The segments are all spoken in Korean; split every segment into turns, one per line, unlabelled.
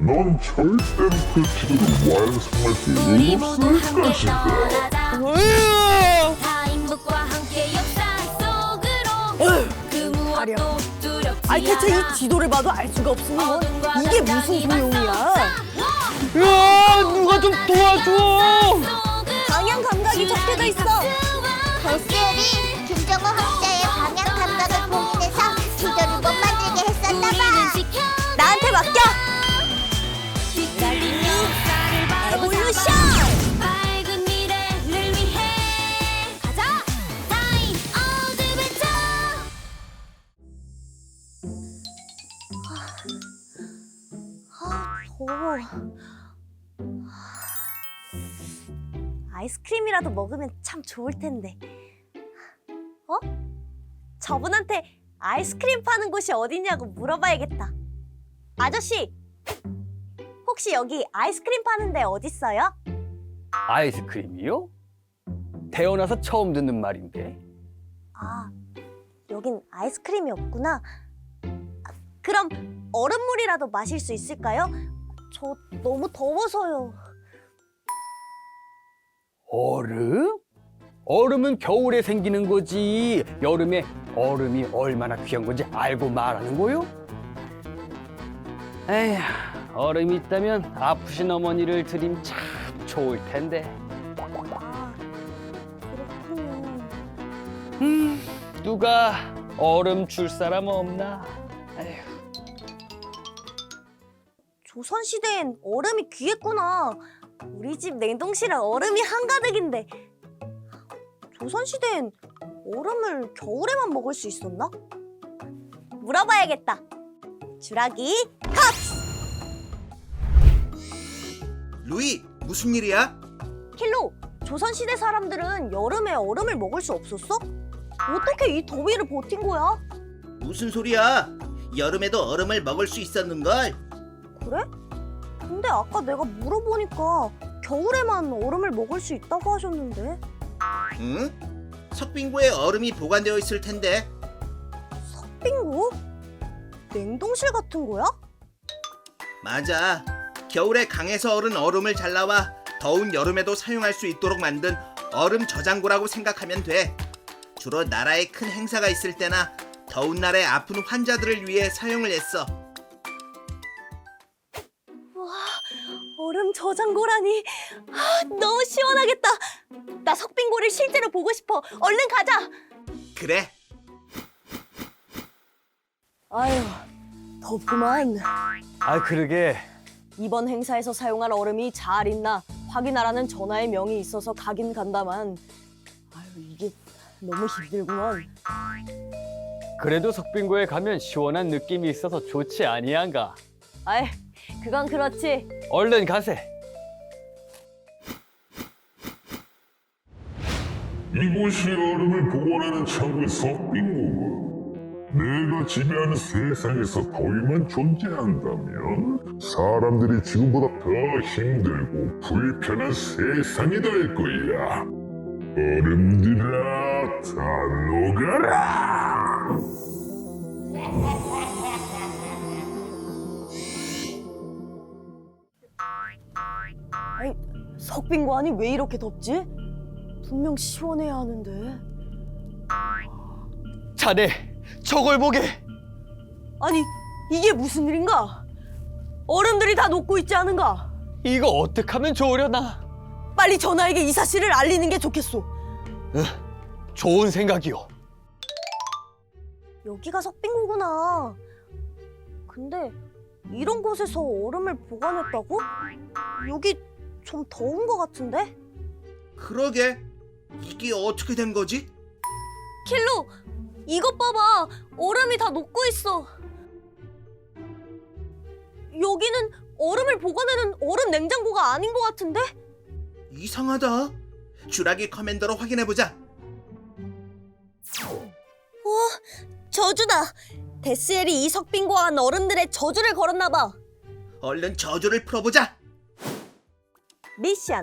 넌 절대로 그 지도를 완성할 수
우리 모두
없을
함께
것이다.
떠나자.
으아!
타임북과 함께 역사 속으로 그 무엇도 두렵지
아니 대체
않아.
이 지도를 봐도 알 수가 없으니
어둠과
이게 무슨
당당히
소용이야?
맞서
야 누가 좀 도와줘!
속으로
방향 감각이 적혀져 있어.
데스엘이 김정우 학자의 방향 감각을 봉인해서 지도를 못 만들게 했었나
우리는
봐.
지켜
나한테 맡겨.
빛깔린 역사를 바로
에볼루션!
잡아 밝은 미래를 위해 가자 타임 어드벤처.
더워. 아이스크림이라도 먹으면 참 좋을 텐데. 어? 저분한테 아이스크림 파는 곳이 어디냐고 물어봐야겠다. 아저씨, 혹시 여기 아이스크림 파는 데 어딨어요?
아이스크림이요? 태어나서 처음 듣는 말인데.
아, 여긴 아이스크림이 없구나. 아, 그럼 얼음물이라도 마실 수 있을까요? 저 너무 더워서요.
얼음? 얼음은 겨울에 생기는 거지. 여름에 얼음이 얼마나 귀한 건지 알고 말하는 거요? 에휴, 얼음이 있다면 아프신 어머니를 드림 참 좋을 텐데.
아, 그렇군요.
누가 얼음 줄 사람 없나? 에휴.
조선시대엔 얼음이 귀했구나. 우리 집 냉동실에 얼음이 한가득인데. 조선시대엔 얼음을 겨울에만 먹을 수 있었나? 물어봐야겠다. 주라기 컵스!
루이, 무슨 일이야?
킬로, 조선시대 사람들은 여름에 얼음을 먹을 수 없었어? 어떻게 이 더위를 버틴 거야?
무슨 소리야? 여름에도 얼음을 먹을 수 있었는걸?
그래? 근데 아까 내가 물어보니까 겨울에만 얼음을 먹을 수 있다고 하셨는데.
응? 석빙고에 얼음이 보관되어 있을 텐데.
빙고? 냉동실 같은 거야?
맞아. 겨울에 강에서 얼은 얼음을 잘라와 더운 여름에도 사용할 수 있도록 만든 얼음 저장고라고 생각하면 돼. 주로 나라에 큰 행사가 있을 때나 더운 날에 아픈 환자들을 위해 사용을 했어.
얼음 저장고라니. 아, 너무 시원하겠다. 나 석빙고를 실제로 보고 싶어. 얼른 가자.
그래.
아유, 덥구만.
아, 그러게.
이번 행사에서 사용할 얼음이 잘 있나 확인하라는 전하의 명이 있어서 가긴 간다만. 아유, 이게 너무 힘들구만.
그래도 석빙고에 가면 시원한 느낌이 있어서 좋지 아니한가?
아이, 그건 그렇지.
얼른 가세.
이곳이 얼음을 보관하는 창고의 석빙고군. 내가 지배하는 세상에서 더위만 존재한다면 사람들이 지금보다 더 힘들고 불편한 세상이 될 거야. 얼음들아, 다 녹아라!
아니, 석빙고 안이 왜 이렇게 덥지? 분명 시원해야 하는데.
자네, 저걸 보게.
아니, 이게 무슨 일인가? 얼음들이 다 녹고 있지 않은가?
이거 어떡하면 좋으려나?
빨리 전하에게 이 사실을 알리는 게 좋겠소.
좋은 생각이요.
여기가 석빙고구나. 근데 이런 곳에서 얼음을 보관했다고? 여기 좀 더운 것 같은데?
그러게. 이게 어떻게 된 거지?
킬로, 이것 봐봐. 얼음이 다 녹고 있어. 여기는 얼음을 보관하는 얼음 냉장고가 아닌 것 같은데?
이상하다. 주라기 커맨더로 확인해보자.
저주다. 데스엘이 이 석빙고 안 얼음들의 저주를 걸었나 봐.
얼른 저주를 풀어보자.
미션.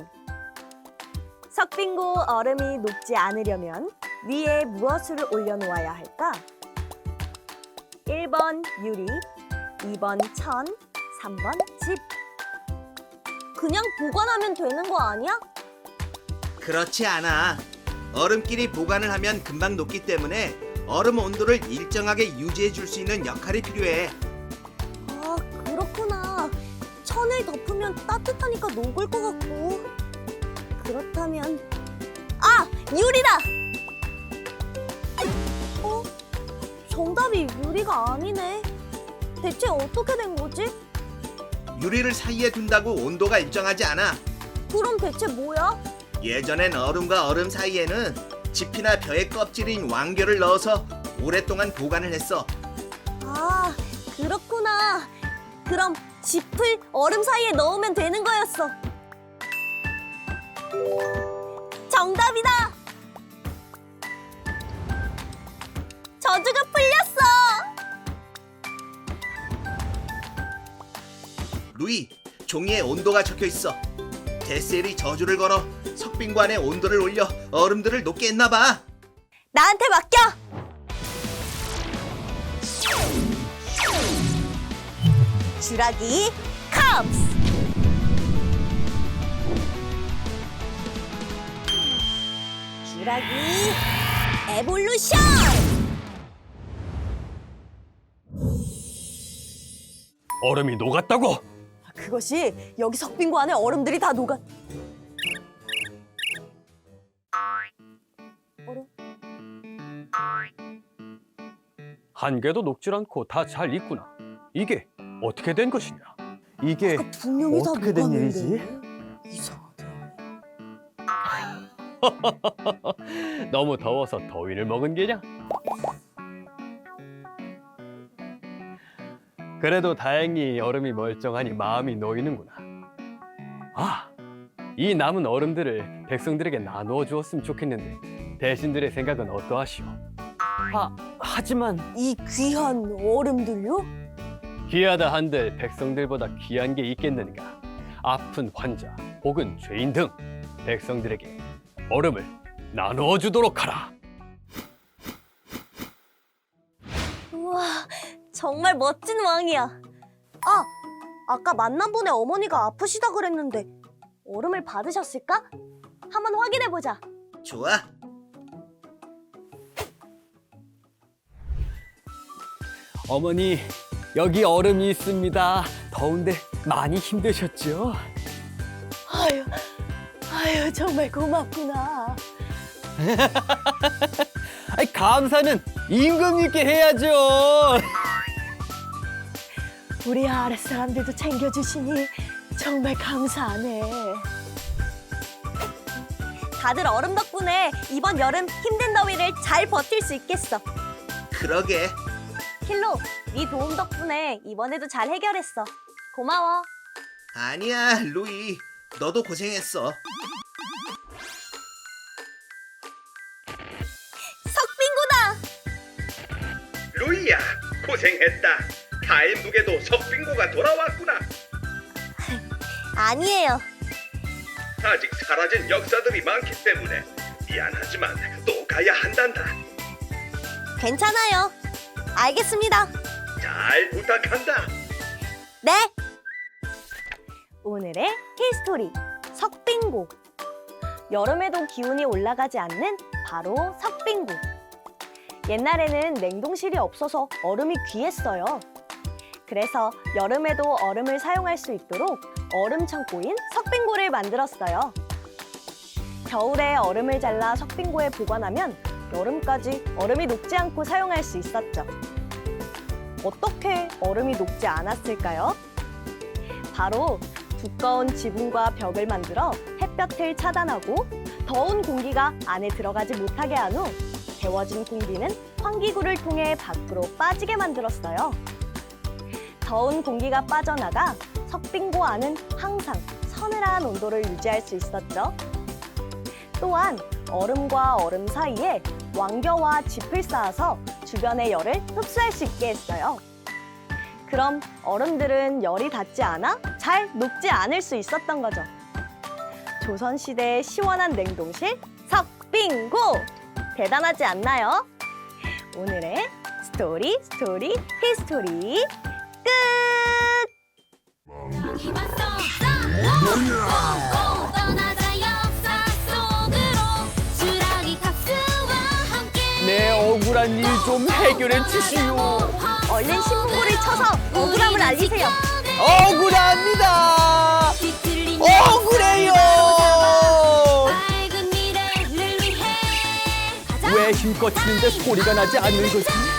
석빙고 얼음이 녹지 않으려면 위에 무엇을 올려놓아야 할까? 1번 유리, 2번 천, 3번 집. 그냥 보관하면 되는 거 아니야?
그렇지 않아. 얼음끼리 보관을 하면 금방 녹기 때문에 얼음 온도를 일정하게 유지해 줄 수 있는 역할이 필요해.
아, 그렇구나. 천을 덮으면 따뜻하니까 녹을 것 같고. 그렇다면 유리다! 정답이 유리가 아니네. 대체 어떻게 된 거지?
유리를 사이에 둔다고 온도가 일정하지 않아.
그럼 대체 뭐야?
예전엔 얼음과 얼음 사이에는 짚이나 벼의 껍질인 왕겨를 넣어서 오랫동안 보관을 했어.
아, 그렇구나. 그럼 짚을 얼음 사이에 넣으면 되는 거였어. 정답이다! 저주가 풀렸어!
루이, 종이에 온도가 적혀 있어. 데스엘이 저주를 걸어 석빙관의 온도를 올려 얼음들을 녹게 했나 봐.
나한테 맡겨! 주라기 컵스! 주라기 에볼루션!
얼음이 녹았다고?
그것이 여기 석빙고 안에 얼음들이 다 녹아. 얼음?
한 개도 녹질 않고 다 잘 익구나. 이게 어떻게 된 것이냐? 이게
분명히 다
어떻게 된
녹았는데.
일이지?
이상하다.
너무 더워서 더위를 먹은 게냐? 그래도 다행히 얼음이 멀쩡하니 마음이 놓이는구나. 이 남은 얼음들을 백성들에게 나누어 주었으면 좋겠는데 대신들의 생각은 어떠하시오? 하지만
이 귀한 얼음들요?
귀하다 한들 백성들보다 귀한 게 있겠는가? 아픈 환자 혹은 죄인 등 백성들에게 얼음을 나누어 주도록 하라.
우와, 정말 멋진 왕이야. 아까 만난 분의 어머니가 아프시다 그랬는데 얼음을 받으셨을까? 한번 확인해 보자.
좋아.
어머니, 여기 얼음이 있습니다. 더운데 많이 힘드셨죠?
아유, 정말 고맙구나.
감사는 임금님께 해야죠.
우리 아랫 사람들도 챙겨주시니 정말 감사하네. 다들 얼음 덕분에 이번 여름 힘든 더위를 잘 버틸 수 있겠어.
그러게.
킬로, 네 도움 덕분에 이번에도 잘 해결했어. 고마워.
아니야, 루이. 너도 고생했어.
석빙고다!
루이야, 고생했다. 타임북에도 석빙고가 돌아왔구나.
아니에요.
아직 사라진 역사들이 많기 때문에 미안하지만 또 가야 한단다.
괜찮아요. 알겠습니다.
잘 부탁한다.
네. 오늘의 히스토리 석빙고. 여름에도 기온이 올라가지 않는 바로 석빙고. 옛날에는 냉동실이 없어서 얼음이 귀했어요. 그래서 여름에도 얼음을 사용할 수 있도록 얼음 창고인 석빙고를 만들었어요. 겨울에 얼음을 잘라 석빙고에 보관하면 여름까지 얼음이 녹지 않고 사용할 수 있었죠. 어떻게 얼음이 녹지 않았을까요? 바로 두꺼운 지붕과 벽을 만들어 햇볕을 차단하고 더운 공기가 안에 들어가지 못하게 한 후 데워진 공기는 환기구를 통해 밖으로 빠지게 만들었어요. 더운 공기가 빠져나가 석빙고 안은 항상 서늘한 온도를 유지할 수 있었죠. 또한 얼음과 얼음 사이에 왕겨와 짚을 쌓아서 주변의 열을 흡수할 수 있게 했어요. 그럼 얼음들은 열이 닿지 않아 잘 녹지 않을 수 있었던 거죠. 조선시대의 시원한 냉동실 석빙고! 대단하지 않나요? 오늘의 스토리 히스토리 끝!
힘써 꼭 떠나자 역사 속으로 주라기 값수와 함께
내 억울한 일 좀 해결해 주시오.
얼른 신문고를 쳐서 억울함을 알리세요.
억울합니다.
뒤틀린
억울해요.
밝은 미래를 위해 가자
왜 힘껏 치는데 소리가 나지 않는 거지?